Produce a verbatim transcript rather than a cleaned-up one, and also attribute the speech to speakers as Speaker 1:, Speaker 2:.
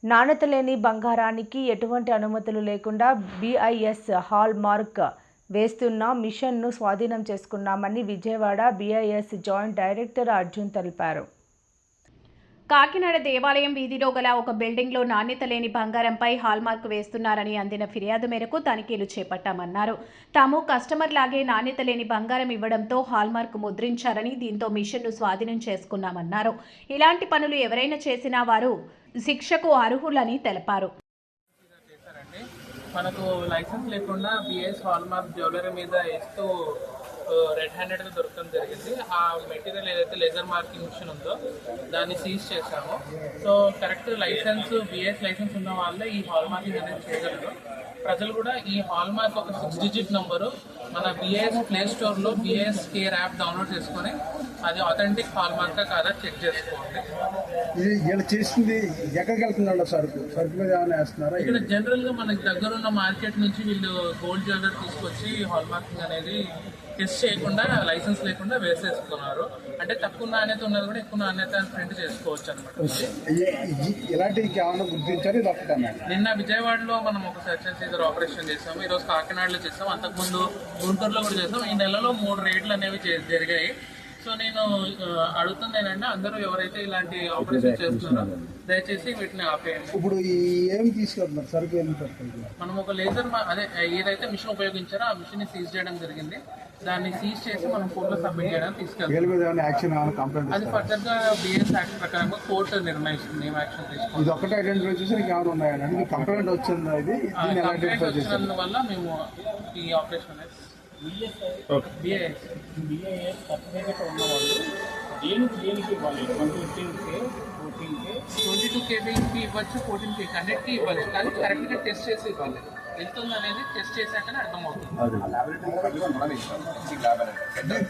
Speaker 1: నాణ్యత లేని బంగారానికి ఎటువంటి అనుమతులు లేకుండా బీఐఎస్ హాల్ మార్క్ వేస్తున్న మిషన్ను స్వాధీనం చేసుకున్నామని Vijayawada BIS joint director Arjun తెలిపారు.
Speaker 2: కాకినాడ దేవాలయం వీధిలో గల ఒక బిల్డింగ్లో నాణ్యత లేని బంగారంపై హాల్మార్క్ వేస్తున్నారని అందిన ఫిర్యాదు మేరకు తనిఖీలు చేపట్టామన్నారు. తాము కస్టమర్ లాగే నాణ్యత లేని బంగారం ఇవ్వడంతో హాల్మార్క్ ముద్రించారని, దీంతో మిషన్ను స్వాధీనం చేసుకున్నామన్నారు. ఇలాంటి పనులు ఎవరైనా చేసినా వారు శిక్షకు అర్హులని తెలిపారు.
Speaker 3: మనకు లైసెన్స్ లేకుండా బిఎస్ హాల్మార్క్ జ్యువెలరీ మీద వేస్తూ రెడ్ హ్యాండెడ్గా దొరకడం జరిగింది. ఆ మెటీరియల్ ఏదైతే లేజర్ మార్కింగ్ మిషన్ ఉందో దాన్ని సీజ్ చేశాము. So correct license BIS license ఉన్న వాళ్ళే ఈ హాల్ మార్కింగ్ అనేది చేయగలరు. ప్రజలు కూడా ఈ హాల్ మార్క్ ఒక సిక్స్ డిజిట్ నంబరు మన బిఎస్ ప్లే స్టోర్లో బిఎస్ కేర్ యాప్ డౌన్లోడ్ చేసుకొని అది ఆథెంటిక్ హాల్ మార్కా కాదా చెక్ చేసుకోండి.
Speaker 4: ఇది ఇలా చేసింది ఎక్కడికి వెళ్తున్నాడు సరుకు సరుకు మీద ఏమైనా వేస్తున్నారా?
Speaker 3: ఇక్కడ జనరల్ గా మనకి దగ్గర ఉన్న మార్కెట్ నుంచి వీళ్ళు గోల్డ్ జ్యువెలరీ తీసుకొచ్చి హాల్ మార్కింగ్ అనేది టెస్ట్ చేయకుండా లైసెన్స్ లేకుండా వేసేస్తున్నారు. అంటే తక్కువ నాణ్యత ఉన్నది కూడా ఎక్కువ నాణ్యత ప్రింట్ చేసుకోవచ్చు అనమాట.
Speaker 4: ఇలాంటివి ఏమైనా గుర్తించారు? ఇది ఒకటే
Speaker 3: నిన్న విజయవాడలో మనం ఒక సెర్చ్ అండ్ సీజర్ ఆపరేషన్ చేసాము. ఈరోజు కాకినాడలో చేసాం, అంతకుముందు గుంటూరులో కూడా చేసాం. ఈ నెలలో మూడు రేట్లు అనేవి జరిగాయి. సో నేను అడుగుతుంది ఏంటంటే అందరూ ఎవరైతే ఇలాంటి ఆపరేషన్ చేస్తున్నారో దయచేసి వీటిని ఆపేయండి.
Speaker 4: ఇప్పుడు ఏం తీసుకెళ్తున్నారు సరుకు? ఏం
Speaker 3: మనం ఒక లేజర్ అదే ఏదైతే మిషన్ ఉపయోగించారో ఆ మిషన్ ని సీజ్ చేయడం జరిగింది. దాన్ని సీజ్ చేసి మనం కోర్టులో సబ్మిట్ చేయడానికి తీసుకెళ్తాం. అది ఫర్దర్ గా బిఎస్ యాక్ట్ ప్రకారంగా కోర్టు నిర్ణయిస్తుంది ఏం యాక్షన్ తీసుకుంటాం.
Speaker 4: ఇది ఒకటే ఐడెంటిఫై చేసి ఏమైనా ఉన్నాయండి? కంప్లైంట్ వచ్చింది
Speaker 3: వల్ల మేము ఈ ఆపరేషన్ అనేది బిఐఎస్
Speaker 5: బిఐఎస్ సర్టిఫికేట్ ఉన్నవాళ్ళు దేనికి దేనికి ఇవ్వాలి? Twenty fifteen K fourteen K
Speaker 3: twenty two కేబీకి ఇవ్వచ్చు, ఫోర్టీన్ కే హండ్రెడ్కి ఇవ్వచ్చు. కానీ కరెక్ట్గా టెస్ట్ చేసి ఇవ్వాలి. వెళ్తుంది అనేది టెస్ట్ చేశాకనే అర్థమవుతుంది.